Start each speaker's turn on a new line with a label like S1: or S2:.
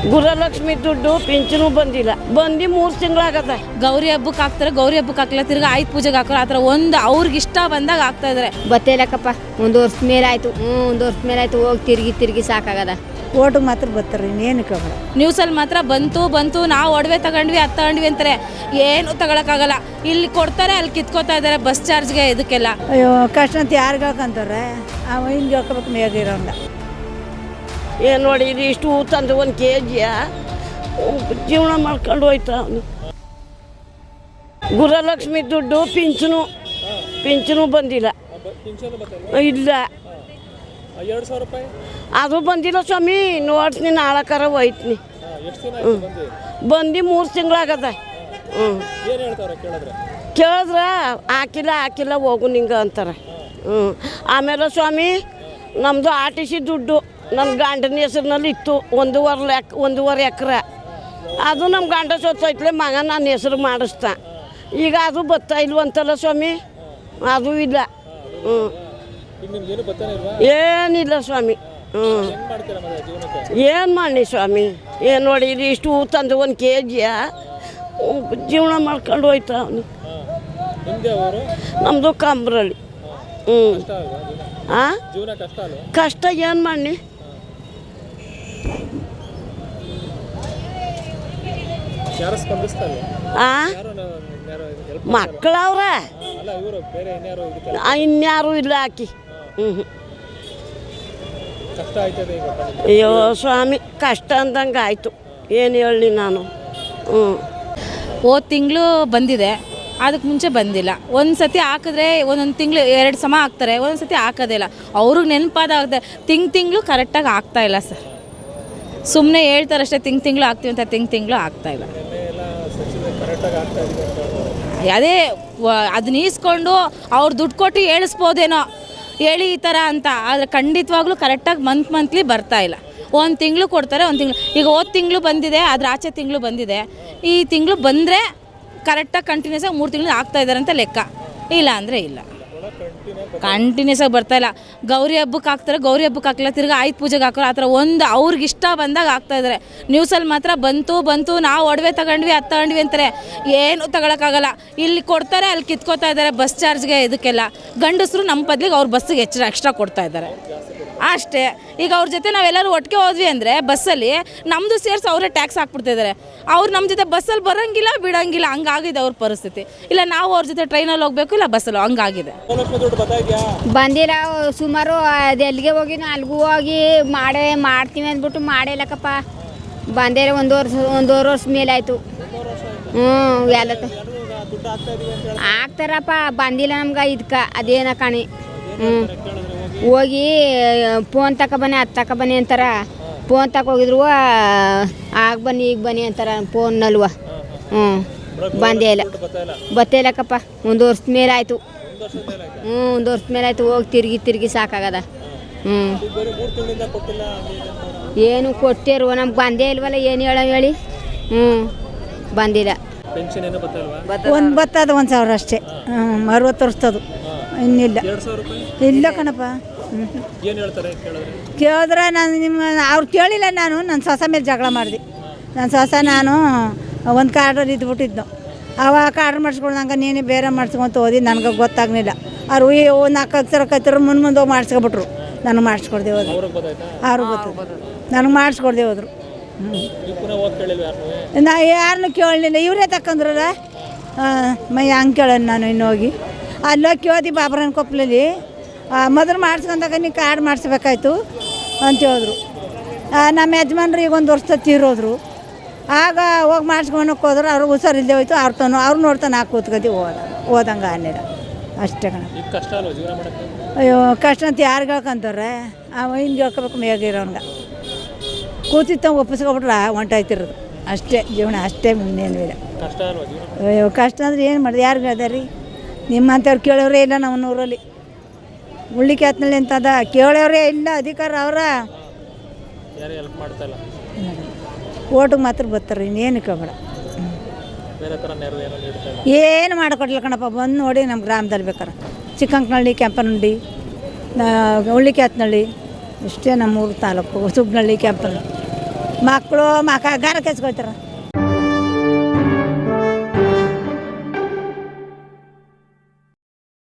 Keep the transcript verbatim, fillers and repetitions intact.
S1: ಗುರಲಕ್ಷ್ಮಿ ದುಡ್ಡು ಪಿಂಚನು ಬಂದಿಲ್ಲ, ಬಂದು ಮೂರು ತಿಂಗಳಾಗದ.
S2: ಗೌರಿ ಹಬ್ಬಕ್ಕೆ ಹಾಕ್ತಾರೆ, ಗೌರಿ ಹಬ್ಬಕ್ಕೆ ಹಾಕಿಲ್ಲ, ತಿರ್ಗಿ ಆಯ್ತು ಪೂಜೆಗೆ ಹಾಕೋರು. ಆ ಥರ ಒಂದು ಅವ್ರಿಗೆ ಇಷ್ಟ ಬಂದಾಗ ಹಾಕ್ತಾ ಇದ್ದಾರೆ.
S3: ಬತ್ತೇಲಕ್ಕಪ್ಪ ಒಂದು ವರ್ಷ ಮೇಲೆ ಆಯಿತು. ಹ್ಞೂ ಒಂದು ವರ್ಷ ಮೇಲೆ ಆಯಿತು. ಹೋಗಿ ತಿರುಗಿ ತಿರುಗಿ ಸಾಕಾಗದ.
S4: ಓಟಿಗೆ ಮಾತ್ರ ಬರ್ತಾರೆ, ಇನ್ನೇನು ಕಬಡ.
S2: ನ್ಯೂಸಲ್ಲಿ ಮಾತ್ರ ಬಂತು ಬಂತು ನಾವು ಒಡವೆ ತಗೊಂಡ್ವಿ ಅದು ತಗೊಂಡ್ವಿ ಅಂತಾರೆ. ಏನು ತಗೊಳಕ್ಕಾಗಲ್ಲ. ಇಲ್ಲಿ ಕೊಡ್ತಾರೆ, ಅಲ್ಲಿ ಕಿತ್ಕೋತಾ ಇದ್ದಾರೆ ಬಸ್ ಚಾರ್ಜ್ಗೆ ಇದಕ್ಕೆಲ್ಲ.
S4: ಅಯ್ಯೋ ಕಷ್ಟ ಅಂತ ಯಾರಿಗೆ ಹಾಕಂತಾರೆ, ಅವ ಹಿಂಗೆ ಹಾಕೋಬೇಕು ಮೇಗಿರೋಂಗ.
S1: ಏನು ನೋಡಿ ಇದು ಇಷ್ಟು ಹೂ ತಂದು ಒಂದು ಕೆ ಜಿಯ ಜೀವನ ಮಾಡ್ಕೊಂಡು ಹೋಯ್ತಾ ಅವನು. ಗುರಲಕ್ಷ್ಮಿ ದುಡ್ಡು ಪಿಂಚನು ಪಿಂಚನು ಬಂದಿಲ್ಲ. ಇಲ್ಲ ಅದು ಬಂದಿಲ್ಲ ಸ್ವಾಮಿ. ನೋಡ್ತೀನಿ ನಾಳಕಾರ ಹೋಯ್ತೀನಿ. ಹ್ಞೂ ಬಂದು ಮೂರು ತಿಂಗಳಾಗದ. ಹ್ಞೂ ಕೇಳಿದ್ರ ಹಾಕಿಲ್ಲ ಹಾಕಿಲ್ಲ ಹೋಗು ನಿಂಗೆ ಅಂತಾರೆ. ಹ್ಞೂ ಆಮೇಲೆ ಸ್ವಾಮಿ ನಮ್ಮದು ಆರ್ ಟಿ ಸಿ ದುಡ್ಡು ನನ್ನ ಗಂಡನ ಹೆಸ್ರಿನಲ್ಲಿ ಇತ್ತು. ಒಂದೂವರೆ ಲೆಕ್ ಒಂದೂವರೆ ಎಕರೆ ಅದು ನಮ್ಮ ಗಂಡ ಸೊತ್ತೈತ್ಲೆ ಮಗ ನನ್ನ ಹೆಸ್ರು ಮಾಡಿಸ್ತಾ. ಈಗ ಅದು ಬತ್ತಾ ಇಲ್ವಂತಲ್ಲ ಸ್ವಾಮಿ, ಅದು ಇಲ್ಲ. ಹ್ಞೂ ಏನಿಲ್ಲ ಸ್ವಾಮಿ. ಹ್ಞೂ ಏನು ಮಾಡಿ ಸ್ವಾಮಿ. ಏನು ನೋಡಿ ಇದು ಇಷ್ಟು ಹೂ ತಂದು ಒಂದು ಕೆ ಜಿಯ ಜೀವನ ಮಾಡ್ಕೊಂಡು ಹೋಯ್ತಾ ಅವನು. ನಮ್ಮದು ಕಂಬ್ರಳ್ಳಿ. ಹ್ಞೂ ಹಾಂ ಕಷ್ಟ ಏನು ಮಾಡಿ. ಹಾಂ ಮಕ್ಕಳವ್ರ ಇನ್ಯಾರು ಇಲ್ಲ ಹಾಕಿ. ಹ್ಞೂ ಅಯ್ಯೋ ಸ್ವಾಮಿ ಕಷ್ಟ ಅಂದಂಗೆ ಆಯಿತು. ಏನು ಹೇಳಿ ನಾನು. ಹ್ಞೂ
S2: ಹೋದ ತಿಂಗಳು ಬಂದಿದೆ, ಅದಕ್ಕೆ ಮುಂಚೆ ಬಂದಿಲ್ಲ. ಒಂದು ಸತಿ ಹಾಕಿದ್ರೆ ಒಂದೊಂದು ತಿಂಗಳು ಎರಡು ಸಮ ಹಾಕ್ತಾರೆ, ಒಂದೊಂದು ಸತಿ ಹಾಕೋದಿಲ್ಲ. ಅವ್ರಿಗೆ ನೆನಪಾದ ತಿಂಗ್ ತಿಂಗಳು ಕರೆಕ್ಟಾಗಿ ಆಗ್ತಾಯಿಲ್ಲ ಸರ್. ಸುಮ್ಮನೆ ಹೇಳ್ತಾರೆ ಅಷ್ಟೇ ತಿಂಗ್ ತಿಂಗಳು ಹಾಕ್ತೀವಿ ಅಂತ, ತಿಂಗ್ ತಿಂಗಳು ಆಗ್ತಾಯಿಲ್ಲ. ಅದೇ ಅದನ್ನ ಈಸ್ಕೊಂಡು ಅವ್ರು ದುಡ್ಡು ಕೊಟ್ಟು ಹೇಳಿಸ್ಬೋದೇನೋ ಹೇಳಿ ಈ ಥರ ಅಂತ. ಆದರೆ ಖಂಡಿತವಾಗ್ಲೂ ಕರೆಕ್ಟಾಗಿ ಮಂತ್ ಮಂತ್ಲಿ ಬರ್ತಾಯಿಲ್ಲ. ಒಂದು ತಿಂಗಳು ಕೊಡ್ತಾರೆ, ಒಂದು ತಿಂಗಳು. ಈಗ ಹೋದ ತಿಂಗಳು ಬಂದಿದೆ, ಅದ್ರ ಆಚೆ ತಿಂಗಳು ಬಂದಿದೆ. ಈ ತಿಂಗಳು ಬಂದರೆ ಕರೆಕ್ಟಾಗಿ ಕಂಟಿನ್ಯೂಸ್ ಆಗಿ ಮೂರು ತಿಂಗಳು ಆಗ್ತಾಯಿದ್ದಾರೆ ಅಂತ ಲೆಕ್ಕ. ಇಲ್ಲ ಅಂದರೆ ಇಲ್ಲ, ಕಂಟಿನ್ಯೂಸ್ ಆಗಿ ಬರ್ತಾಯಿಲ್ಲ. ಗೌರಿ ಹಬ್ಬಕ್ಕೆ ಹಾಕ್ತಾರೆ, ಗೌರಿ ಹಬ್ಬಕ್ಕೆ ಹಾಕಿಲ್ಲ, ತಿರ್ಗಿ ಆಯ್ತು ಪೂಜೆಗೆ ಹಾಕೋರು. ಆ ಥರ ಒಂದು ಅವ್ರಿಗೆ ಇಷ್ಟ ಬಂದಾಗ ಹಾಕ್ತಾ ಇದ್ದಾರೆ. ನ್ಯೂಸಲ್ಲಿ ಮಾತ್ರ ಬಂತು ಬಂತು ನಾವು ಒಡವೆ ತಗೊಂಡ್ವಿ ಅದು ತಗೊಂಡ್ವಿ ಅಂತಾರೆ. ಏನು ತಗೊಳಕ್ಕಾಗಲ್ಲ. ಇಲ್ಲಿ ಕೊಡ್ತಾರೆ, ಅಲ್ಲಿ ಕಿತ್ಕೋತಾ ಇದ್ದಾರೆ ಬಸ್ ಚಾರ್ಜ್ಗೆ ಇದಕ್ಕೆಲ್ಲ. ಗಂಡಸರು ನಮ್ಮ ಬದಲಿಗೆ ಅವ್ರ ಬಸ್ಸಿಗೆ ಹೆಚ್ಚು ಎಕ್ಸ್ಟ್ರಾ ಕೊಡ್ತಾ ಇದ್ದಾರೆ ಅಷ್ಟೇ. ಈಗ ಅವ್ರ ಜೊತೆ ನಾವೆಲ್ಲರೂ ಒಟ್ಟಿಗೆ ಹೋದ್ವಿ ಅಂದರೆ ಬಸ್ಸಲ್ಲಿ ನಮ್ಮದು ಸೇರಿಸಿ ಅವರೇ ಟ್ಯಾಕ್ಸ್ ಹಾಕ್ಬಿಡ್ತಿದ್ದಾರೆ. ಅವ್ರು ನಮ್ಮ ಜೊತೆ ಬಸ್ಸಲ್ಲಿ ಬರೋಂಗಿಲ್ಲ ಬಿಡೋಂಗಿಲ್ಲ, ಹಂಗಾಗಿದೆ ಅವ್ರ ಪರಿಸ್ಥಿತಿ. ಇಲ್ಲ ನಾವು ಅವ್ರ ಜೊತೆ ಟ್ರೈನಲ್ಲಿ ಹೋಗಬೇಕು, ಇಲ್ಲ ಬಸ್ಸಲ್ಲಿ, ಹಂಗಾಗಿದೆ.
S3: ಬಂದಿಲ್ಲ ಸುಮಾರು. ಅದು ಎಲ್ಲಿಗೆ ಹೋಗಿ ಅಲ್ಲಿಗೂ ಹೋಗಿ ಮಾಡೇ ಮಾಡ್ತೀವಿ ಅಂದ್ಬಿಟ್ಟು ಮಾಡೇಲಕ್ಕಪ್ಪ. ಬಂದೇ ಒಂದು ವರ್ಷ ಒಂದೂವರೆ ವರ್ಷ ಮೇಲೆ ಆಯಿತು. ಹ್ಞೂ ಎಲ್ಲ ಹಾಕ್ತಾರಪ್ಪ. ಬಂದಿಲ್ಲ ನಮ್ಗೆ ಇದಕ್ಕೆ ಅದೇನ ಕಾಣಿ. ಹ್ಞೂ ಹೋಗಿ ಫೋನ್ ತಗೊಬನ್ನಿ ಅದು ತಗೊಬನ್ನಿ ಅಂತಾರೆ. ಫೋನ್ ತಗೋಗಿದ್ರು ಆಗ ಬನ್ನಿ ಈಗ ಬನ್ನಿ ಅಂತಾರೆ ಫೋನ್ನಲ್ವ. ಹ್ಞೂ ಬಂದೇ ಇಲ್ಲ, ಬತ್ತೇಲಕ್ಕಪ್ಪ. ಒಂದು ವರ್ಷ ಮೇಲೆ ಆಯಿತು. ಹ್ಞೂ ಒಂದು ವರ್ಷ ಮೇಲೆ ಆಯಿತು. ಹೋಗಿ ತಿರುಗಿ ತಿರುಗಿ ಸಾಕಾಗದ. ಹ್ಞೂ ಏನು ಕೊಟ್ಟಿರುವ ನಮ್ಗೆ ಬಂದೇ ಇಲ್ವಲ್ಲ, ಏನು ಹೇಳೋ ಹೇಳಿ. ಹ್ಞೂ ಬಂದಿಲ್ಲ.
S4: ಒಂದು ಬತ್ತದ ಒಂದು ಸಾವಿರ ಅಷ್ಟೇ. ಹ್ಞೂ ಅರವತ್ತು ವರ್ಷದ್ದು ಇನ್ನಿಲ್ಲ. ಇಲ್ಲ ಕಣಪ್ಪ. ಕೇಳಿದ್ರೆ ನಾನು ನಿಮ್ಮ ಅವ್ರು ಕೇಳಿಲ್ಲ. ನಾನು ನನ್ನ ಸೊಸ ಮೇಲೆ ಜಗಳ ಮಾಡಿದೆ. ನನ್ನ ಸೊಸ ನಾನು ಒಂದು ಕಾರ್ಡ್ರಲ್ಲಿ ಇದ್ಬಿಟ್ಟಿದ್ದು. ಅವಾಗ ಕಾರ್ಡ್ ಮಾಡಿಸ್ಕೊಳ್ದಂಗೆ ನೀನು ಬೇರೆ ಮಾಡಿಸ್ಕೊಂತ ಹೋದಿ, ನನಗೆ ಗೊತ್ತಾಗಲಿಲ್ಲ. ಅವ್ರು ಒಂದು ನಾಲ್ಕು ಅಕ್ಷರ ಕತ್ತಿರ ಮುಂದೆ ಮುಂದೆ ಹೋಗಿ ಮಾಡಿಸ್ಕೊಬಿಟ್ರು. ನನಗೆ ಮಾಡಿಸ್ಕೊಡ್ದೆ ಹೋದ್ರು. ಅವ್ರಿಗೆ ಗೊತ್ತು, ನನಗೆ ಮಾಡಿಸ್ಕೊಡ್ದೆ ಹೋದ್ರು. ಹ್ಞೂ ನಾ ಯಾರನ್ನೂ ಕೇಳಲಿಲ್ಲ, ಇವರೇ ತಕೊಂಡ್ರಲ್ಲ. ಮೈ ಹಂಗೆ ಕೇಳೋಣ ನಾನು ಇನ್ನು ಹೋಗಿ ಅಲ್ಲೋಗಿ ಕೇಳ್ದಿ ಬಾಬ್ರನ ಕೊಪ್ಪಲಲ್ಲಿ. ಮೊದಲು ಮಾಡಿಸ್ಕೊಂಡಾಗ ನೀವು ಕಾರ್ಡ್ ಮಾಡಿಸ್ಬೇಕಾಯ್ತು ಅಂತ ಹೇಳಿದ್ರು. ನಮ್ಮ ಯಜಮಾನ್ರು ಈಗ ಒಂದು ವರ್ಷ ತೀರೋದ್ರು. ಆಗ ಹೋಗಿ ಮಾಡಿಸ್ಕೊಳಕ್ಕೆ ಹೋದ್ರೆ ಅವ್ರು ಹುಷಾರಿಲ್ಲದೆ ಹೋಯ್ತು. ಅವ್ರ ತಾನು ಅವ್ರು ನೋಡ್ತಾನೆ ಹಾಕಿ ಕೂತ್ಕತಿ ಹೋದ ಹೋದಂಗೆ ಅನ್ನಿಲ್ಲ ಅಷ್ಟೇ ಕಣ. ಅಯ್ಯೋ ಕಷ್ಟ ಅಂತ ಯಾರಿಗೆ ಹೇಳ್ಕೊಂತಾರೆ, ಅವ ಹಿಂಗೆ ಹೇಳ್ಕೊಬೇಕು ಮೇಗಿರೋನ್ಗೆ. ಕೂತಿತ್ತ ಒಪ್ಪಿಸ್ಕೊಬಿಟ್ರೆ ಹೊಂಟಾಯ್ತಿರೋದು ಅಷ್ಟೇ ಜೀವನ, ಅಷ್ಟೇ ಮುಂದೇನು ಇಲ್ಲ. ಅಯ್ಯೋ ಕಷ್ಟ ಅಂದ್ರೆ ಏನು ಮಾಡಿದೆ, ಯಾರಿಗೆ ಅದ ರೀ? ನಿಮ್ಮಂಥವ್ರು ಕೇಳೋರೇ ಇಲ್ಲ ನಮ್ಮ ಊರಲ್ಲಿ. ಉಳ್ಳಿಕೆ ಹತ್ನಲ್ಲಿ ಅಂತದ ಕೇಳೋರೇ ಇಲ್ಲ. ಅಧಿಕಾರ ಅವರ ಓಟಿಗೆ ಮಾತ್ರ ಬರ್ತಾರೆ, ಇನ್ನೇನು ಕೇಳಬೇಡ. ಏನು ಮಾಡಿಕೊಡ್ಲಿಲ್ಲ ಕಣಪ್ಪ. ಬಂದು ನೋಡಿ ನಮ್ಮ ಗ್ರಾಮದಲ್ಲಿ ಬೇಕಾರೆ ಚಿಕ್ಕಂಕನಹಳ್ಳಿ, ಕೆಂಪನಹಳ್ಳಿ, ಉಳ್ಳಿಕೆ ಹತ್ನಳ್ಳಿ ಇಷ್ಟೇ ನಮ್ಮೂರು ತಾಲೂಕು. ಸುಬ್ನಹಳ್ಳಿ, ಕೆಂಪನಹಳ್ಳಿ ಮಕ್ಕಳು ಮಕ ಗಾರ ಕೆಚ್ಕೊಳ್ತಾರೆ